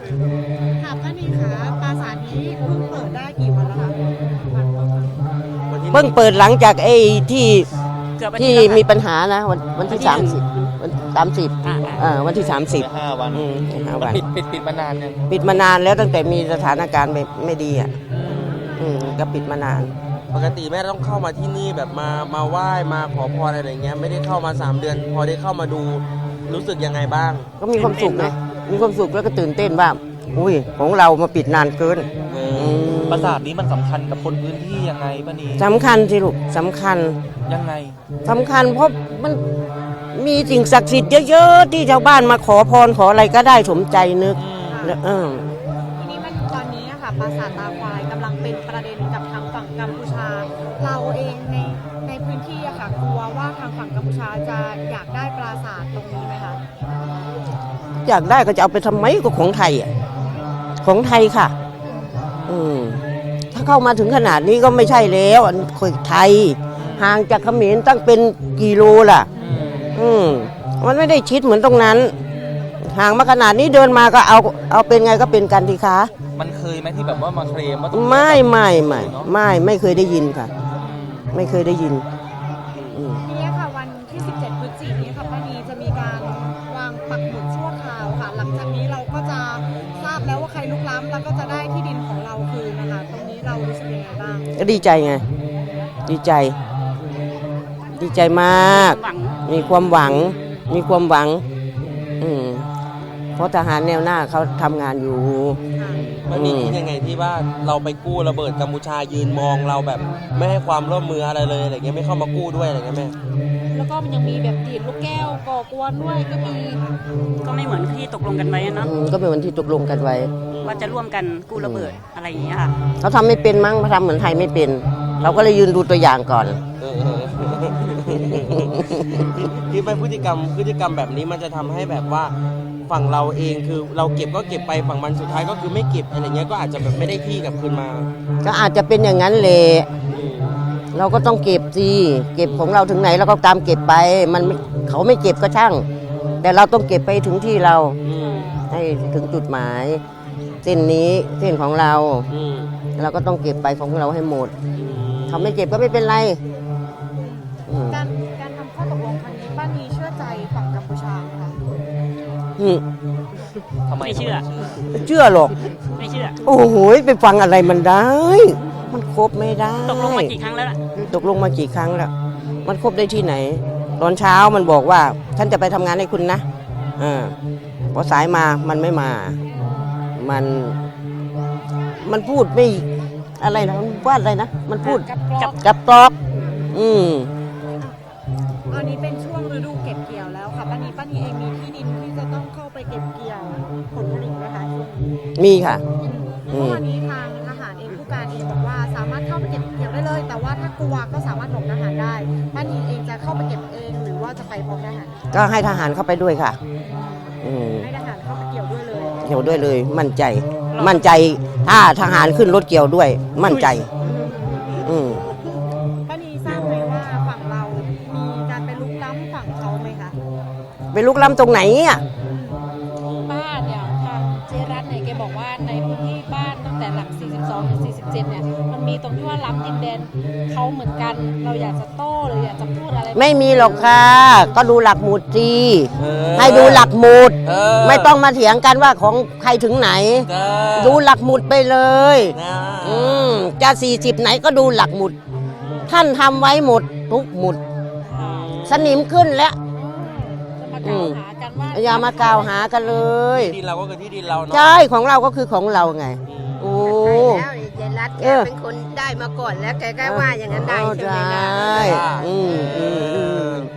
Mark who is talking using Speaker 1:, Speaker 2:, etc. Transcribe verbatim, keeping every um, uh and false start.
Speaker 1: ค่ะป้านีคะปราสาทนี้เพิ่งเปิดได้กี่วันแล้วคะ
Speaker 2: เพิ่งเปิดหลังจากไอ้ที่
Speaker 3: เกือบอาทิ
Speaker 2: ที่
Speaker 3: ตย์แล้วค่ะ
Speaker 2: มีปัญหานะวันวันที่
Speaker 3: วันที่
Speaker 2: สามสิบวันสามสิบ
Speaker 3: อ่า
Speaker 2: อ่าวันที่สามสิบ
Speaker 4: ห้าวัน
Speaker 2: อืมห้า
Speaker 4: มัน
Speaker 2: วัน
Speaker 4: ปิดปิดปิดมานานยัง
Speaker 2: ปิดมานานแล้วตั้งแต่มีสถานการณ์ไม่ไม่ดีอ่ะอืมก็ปิดมานาน
Speaker 5: ปกติแม่ต้องเข้ามาที่นี่แบบมามาไหว้มาขอพรอะไรอย่างเงี้ยไม่ได้เข้ามาสามเดือน พอได้เข้ามาดูรู้สึกยังไงบ้าง
Speaker 2: ก็มีความสุขนะมีความสุขแล้วก็ตื่นเต้นว่าอุ้ยของเรามาปิดนานเกิน
Speaker 5: เอ
Speaker 2: อื
Speaker 5: อ
Speaker 2: ม
Speaker 4: ปราสาทนี้มันสำคัญกับคนพื้นที่ยังไงป้านี
Speaker 2: สำคัญสิลูกสำคัญ
Speaker 4: ยังไง
Speaker 2: สำคัญเพราะมันมีสิ่งศักดิ์สิทธิ์เยอะๆที่ชาวบ้านมาขอพรขออะไรก็ได้สมใจนึกแล้วเออ
Speaker 1: ทีนี้มันตอนนี้อะค่ะปราสาทตาควายกำลังเป็นประเด็นกับทางฝั่งกัมพูชา เราเองในในพื้นที่อะค่ะกลัวว่าทางฝั่งกัมพูชาจะอยากได้ปราสาทตรงนี้ไหมคะ
Speaker 2: อยากได้ก็จะเอาไปทำไมก็ของไทยอ่ะของไทยค่ะ อืมถ้าเข้ามาถึงขนาดนี้ก็ไม่ใช่แล้วอันคนไทย ห่างจากเขมรตั้งเป็นกิโลล่ะ อืมมันไม่ได้ชิดเหมือนตรงนั้น ห่างมาขนาดนี้เดินมาก็เอาเอาเป็นไงก็เป็นกันดีคะ
Speaker 4: มันเคยไหมที่แบบว่ามาเคลมว่าตรงนี้
Speaker 2: ไม่ไม่ไม่ไม่ไม่เคยได้ยินค่ะ ไม่เคยได้ยินอืม
Speaker 1: ทีนี้ค่ะวันที่ สิบเจ็ด พฤศจิกายนนี้ค่ะป้านีจะมีการวางปักหมุดชั่วคราวค่ะ หลังจากนี้เราก็จะทราบแล้วว่าใครลุกล้ำแล้วก็จะได้ที่ดินของเราคืนนะคะตรงนี้เรารู้สึกยังไงบ้าง
Speaker 2: ก็ดีใจไง ดีใจ ดีใจมาก
Speaker 3: หวัง
Speaker 2: มีความหวัง มีความหวัง อืมเพราะทหารแนวหน้าเขาทำงานอยู่
Speaker 5: มันมีคิดยังไงที่ว่าเราไปกู้ระเบิดกัมพูชายืนมองเราแบบ ไม่ให้ความร่วมมืออะไรเลยอะไรเงี้ยไม่เข้ามากู้ด้วยอะไรเงี้ยแม่
Speaker 1: แล้วก็มันยังมีแบบดีดลูกแก้วก่อกวนด้วยก็มี
Speaker 3: ก็ไม่เหมือนที่ตกลงกันไว้เนาะ
Speaker 2: อืมก็เป็นวันที่ตกลงกันไว้
Speaker 3: ว่าจะร่วมกันกู้ระเบิดอะไรอย่างเงี้ยค่ะ
Speaker 2: เขาทำไม่เป็นมั้งเขาทำเหมือนไทยไม่เป็น เราก็เลยยืนดูตัวอย่างก่อน
Speaker 5: เออเออที่ไปพฤติกรรมพฤติกรรมแบบนี้มันจะทำให้แบบว่าฝั่งเราเองคือเราเก็บก็เก็บไปฝั่งมันสุดท้ายก็คือไม่เก็บอะไรเงี้ยก็อาจจะแบบไม่ได้ที่กลับคืนมา
Speaker 2: ก็อาจจะเป็นอย่างนั้นแหละเราก็ต้องเก็บสิเก็บของเราถึงไหนเราก็ตามเก็บไป มันไม่เขาไม่เก็บก็ช่าง แต่เราต้องเก็บไปถึงที่เรา
Speaker 5: อืม
Speaker 2: ให้ถึงจุดหมาย เส้นนี้เส้นของเรา
Speaker 5: อืม
Speaker 2: เราก็ต้องเก็บไปของเราให้หมดเขาไม่เก็บก็ไม่เป็นไรอืม
Speaker 1: การการทำข้อตกลงครั้งนี้ป้านีเชื่อใจฝั่งกัมพูชาไหมคะ
Speaker 2: อืม
Speaker 4: ทำไม
Speaker 3: ไม่เชื่อ
Speaker 2: ไม่เชื่อหรอก
Speaker 3: ไม่เชื่อ
Speaker 2: โอ้โหไปฟังอะไรมันได้ มันครบไม่ได้
Speaker 3: ตกลงมากี่ครั้งแล้วล่ะ
Speaker 2: ตกลงมากี่ครั้งแล้ว มันครบได้ที่ไหน ตอนเช้ามันบอกว่าฉันจะไปทำงานให้คุณนะอ่าพอสายมามันไม่มา มัน มันพูดไม่อะไรนะมันว่าอะไรนะ มันพูด
Speaker 1: กับกรอก
Speaker 2: กับกรอก อืม
Speaker 1: อันนี้เป็นช่วงฤดูเก็บเกี่ยวแล้วค่ะป้านีป้านีเองมีที่ดินที่จะต้องเข้าไปเก็บเกี่ยวผลผลิตไหมคะช่วงนี้
Speaker 2: มีค่ะ อื
Speaker 1: เมื่อ
Speaker 2: ม
Speaker 1: วานนี้ทางทหารเองผู้การเองบอกว่าสามารถเข้าไปเก็บเกี่ยวได้เลย แต่ว่าถ้ากลัวก็สามารถหลบทหารได้ป้านีเองจะเข้าไปเก็บเองหรือว่าจะไปพร้อมทหาร
Speaker 2: ก็ให้ทหารเข้าไปด้วยค่ะ อืม
Speaker 1: ให้ทหารเข้าไปเกี่ยวด้วยเลย
Speaker 2: เกี่ยวด้วยเลย มั่นใจ มั่นใจ ถ้าทหารขึ้นรถเกี่ยวด้วย มั่นใจ อืม
Speaker 1: ป้านีทราบไหมว่าฝั่งเรามีการไปลุกล้ำฝั่งเขาไหมคะ
Speaker 2: ไปลุกล้ำตรงไหนอ่ะ
Speaker 1: บ้านเนี่ยทางเจรัตเนี่ยแกบอกว่าในพื้นที่บ้านตั้งแต่หลัก สี่สิบสอง ถึง สี่สิบเจ็ด เนี่ยมันมีตรงที่ว่าล้ำดินแดนเขาเหมือนกัน เราอยากจะโต้หรืออยากจะพูดอะไร
Speaker 2: ไม่มีหรอกค่ะ ก็ดูหลักหมุดสิ
Speaker 5: เออ
Speaker 2: ให้ดูหลักหมุด
Speaker 5: เออ
Speaker 2: ไม่ต้องมาเถียงกันว่าของใครถึงไหน
Speaker 5: เออ
Speaker 2: ดูหลักหมุดไปเลย
Speaker 5: นะ
Speaker 2: อืมจะสี่สิบไหนก็ดูหลักหมุด ท่านทำไว้หมดทุกหมุด สนิมขึ้นแล้ว
Speaker 1: จะมากล่าวหากันว่า
Speaker 2: อย่ามากล่าวหากันเลย
Speaker 5: ที่ดินเราก็คือที่ดินเราเนาะ
Speaker 2: ใช่ของเราก็คือของเราไง โอ้
Speaker 6: ใช่แล้วยายรัตแก
Speaker 2: เออ
Speaker 6: เป็นคนได้มาก่อนแล้วแกก็ว่าอย่างนั้นได้
Speaker 2: เออ
Speaker 6: ใช่ไหมล่ะ
Speaker 2: ได้อืมอืมอืม